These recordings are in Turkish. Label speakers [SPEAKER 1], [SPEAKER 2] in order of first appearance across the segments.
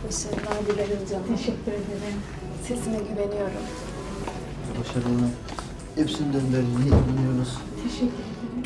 [SPEAKER 1] Başarılar dilerim canım.
[SPEAKER 2] Teşekkür ederim.
[SPEAKER 1] Sesime güveniyorum.
[SPEAKER 3] Başarılı. Hepsinden verdiğine inanıyoruz.
[SPEAKER 2] Teşekkür ederim.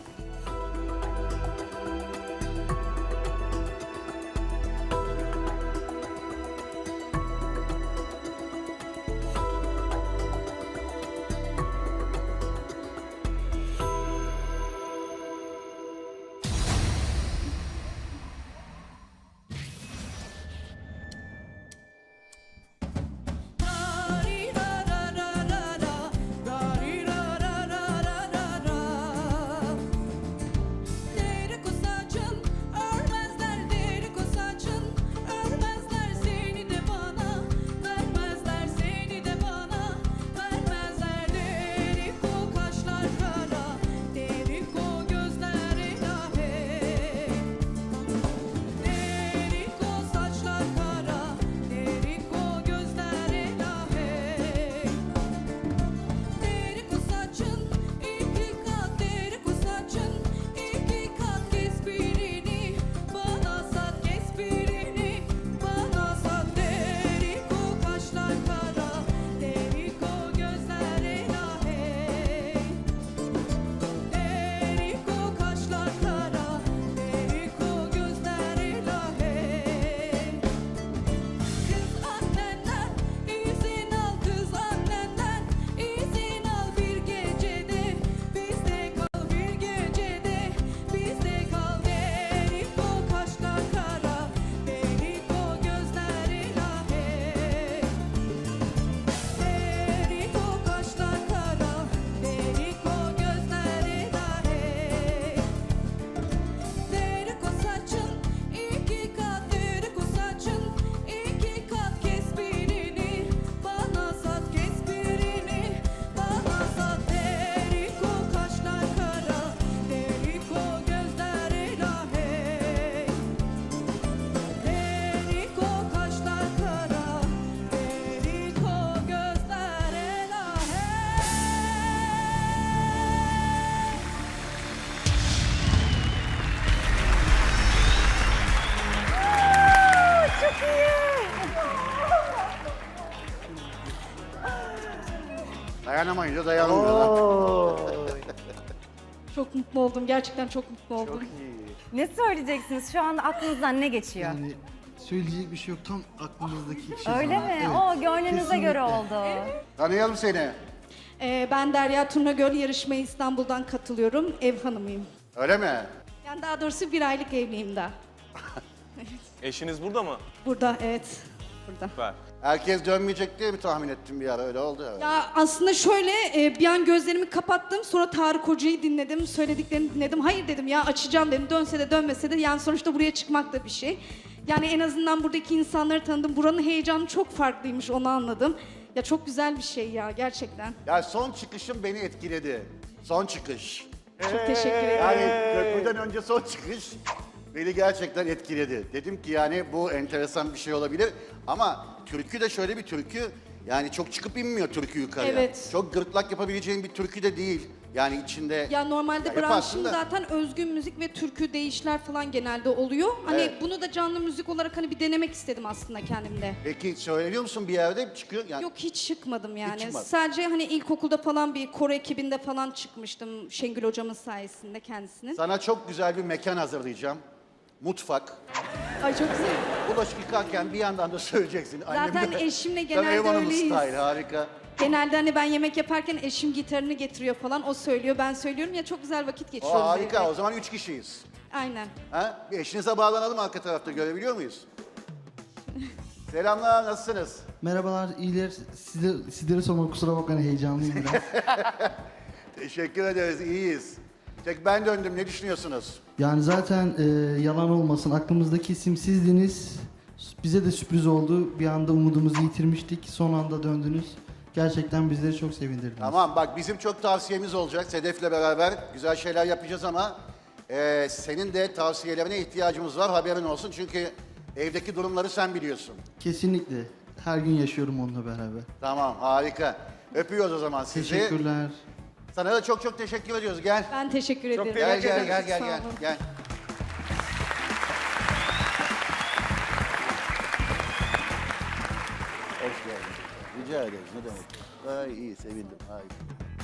[SPEAKER 4] Dayanamayınca dayanmıyorlar.
[SPEAKER 2] Çok mutlu oldum. Gerçekten çok mutlu oldum.
[SPEAKER 4] Çok iyi.
[SPEAKER 5] Ne söyleyeceksiniz? Şu anda aklınızdan ne geçiyor?
[SPEAKER 3] Yani söyleyecek bir şey yok. Tam aklımızdaki şey.
[SPEAKER 5] Öyle
[SPEAKER 3] sana.
[SPEAKER 5] mi?
[SPEAKER 3] Evet,
[SPEAKER 5] O gönlünüze
[SPEAKER 3] kesinlikle.
[SPEAKER 5] göre oldu.
[SPEAKER 4] Tanıyalım seni.
[SPEAKER 2] Ben Derya Turnagöl, yarışmaya İstanbul'dan katılıyorum. Ev hanımıyım.
[SPEAKER 4] Öyle mi?
[SPEAKER 2] Yani daha doğrusu 1 aylık evliyim daha.
[SPEAKER 6] Eşiniz burada mı?
[SPEAKER 2] Burada, evet. Burada.
[SPEAKER 6] Süper.
[SPEAKER 4] Herkes dönmeyecek diye mi tahmin ettim bir ara, öyle oldu. Evet.
[SPEAKER 2] Ya aslında şöyle bir an gözlerimi kapattım, sonra Tarık Hoca'yı dinledim, söylediklerini dinledim. Hayır dedim ya, açacağım dedim, dönse de dönmese de yani sonuçta buraya çıkmak da bir şey. Yani en azından buradaki insanları tanıdım, buranın heyecanı çok farklıymış, onu anladım. Ya çok güzel bir şey ya, gerçekten.
[SPEAKER 4] Ya son çıkışım beni etkiledi. Son çıkış.
[SPEAKER 2] Çok teşekkür ederim.
[SPEAKER 4] Yani köprüden önce son çıkış beni gerçekten etkiledi. Dedim ki yani bu enteresan bir şey olabilir. Ama türkü de şöyle bir türkü, yani çok çıkıp inmiyor türkü yukarıya.
[SPEAKER 2] Evet.
[SPEAKER 4] Çok gırtlak yapabileceğin bir türkü de değil. Yani içinde...
[SPEAKER 2] Ya normalde
[SPEAKER 4] Ya yaparsın
[SPEAKER 2] branşım
[SPEAKER 4] da.
[SPEAKER 2] zaten özgün müzik ve türkü değişler falan genelde oluyor. Hani
[SPEAKER 4] Evet.
[SPEAKER 2] bunu da canlı müzik olarak hani bir denemek istedim aslında kendimde.
[SPEAKER 4] Peki söylüyor musun bir yerde çıkıyor? Yani
[SPEAKER 2] Yok hiç çıkmadım yani.
[SPEAKER 4] çıkmadın.
[SPEAKER 2] Sadece hani ilkokulda falan bir koro ekibinde falan çıkmıştım Şengül hocamın sayesinde kendisinin.
[SPEAKER 4] sana çok güzel bir mekan hazırlayacağım. Mutfak.
[SPEAKER 2] Ay çok güzel.
[SPEAKER 4] Bulaşık yıkarken bir yandan da söyleyeceksin.
[SPEAKER 2] Zaten eşimle
[SPEAKER 4] Tabii
[SPEAKER 2] genelde
[SPEAKER 4] ev hanımı
[SPEAKER 2] öyleyiz.
[SPEAKER 4] style, harika.
[SPEAKER 2] Genelde hani ben yemek yaparken eşim gitarını getiriyor falan. O söylüyor, ben söylüyorum ya, çok güzel vakit
[SPEAKER 4] O
[SPEAKER 2] geçiriyoruz.
[SPEAKER 4] harika,
[SPEAKER 2] evde.
[SPEAKER 4] o zaman 3 kişiyiz.
[SPEAKER 2] Aynen.
[SPEAKER 4] Ha? Bir eşinize bağlanalım, arka tarafta görebiliyor muyuz? Selamlar, nasılsınız?
[SPEAKER 3] Merhabalar, iyiler. Sizlere sormak, kusura bakmayın, heyecanlıyım biraz.
[SPEAKER 4] Teşekkür ederiz, iyiyiz. Tek ben döndüm, ne düşünüyorsunuz?
[SPEAKER 3] Yani zaten yalan olmasın, aklımızdaki isim sizdiniz. Bize de sürpriz oldu. Bir anda umudumuzu yitirmiştik. Son anda döndünüz. Gerçekten bizleri çok sevindirdiniz.
[SPEAKER 4] Tamam, bak bizim çok tavsiyemiz olacak. Sedef'le beraber güzel şeyler yapacağız ama senin de tavsiyelerine ihtiyacımız var, haberin olsun. Çünkü evdeki durumları sen biliyorsun.
[SPEAKER 3] Kesinlikle. Her gün yaşıyorum onunla beraber.
[SPEAKER 4] Tamam, harika. Öpüyoruz o zaman sizi.
[SPEAKER 3] Teşekkürler.
[SPEAKER 4] Sana da çok çok teşekkür ediyoruz. Gel.
[SPEAKER 2] Ben teşekkür ederim.
[SPEAKER 4] Gel gel
[SPEAKER 2] Çok
[SPEAKER 4] gel
[SPEAKER 2] sağ
[SPEAKER 4] gel gel.
[SPEAKER 2] olun.
[SPEAKER 4] Gel. Rica ederiz. Ne demek? Ay iyi sevindim. Ay.